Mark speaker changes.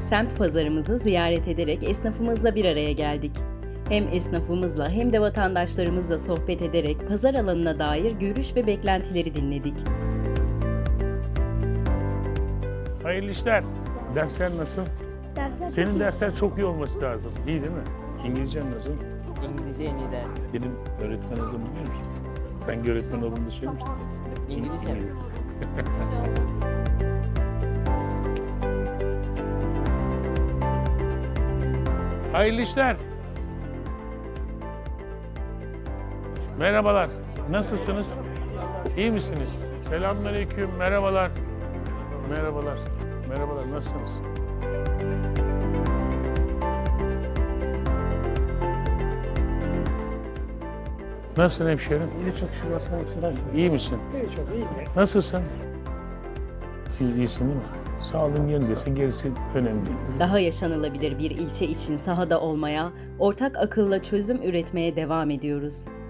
Speaker 1: semt pazarımızı ziyaret ederek esnafımızla bir araya geldik. Hem esnafımızla hem de vatandaşlarımızla sohbet ederek pazar alanına dair görüş ve beklentileri dinledik.
Speaker 2: Hayırlı işler. Dersler nasıl?
Speaker 3: Dersler çok
Speaker 2: Senin
Speaker 3: iyi.
Speaker 2: dersler çok iyi olması lazım. İyi değil mi? İngilizcen nasıl?
Speaker 4: İngilizce en iyi ders.
Speaker 2: Benim öğretmen olduğumu biliyor musun? Ben öğretmen olduğumu da söylemiştim.
Speaker 4: İngilizce mi?
Speaker 2: Hayırlı işler. Merhabalar. Nasılsınız? İyi misiniz? Selamünaleyküm. Merhabalar. Merhabalar. Merhabalar. Nasılsınız? Nasılsın hemşerim?
Speaker 5: İyi çok şükür olsun. Nasıl?
Speaker 2: İyi misin?
Speaker 5: İyi çok iyi.
Speaker 2: Nasılsın? İyisin değil mi? Sağlığın yerindesin. Gerisi önemli değil.
Speaker 1: Daha yaşanılabilir bir ilçe için sahada olmaya, ortak akılla çözüm üretmeye devam ediyoruz.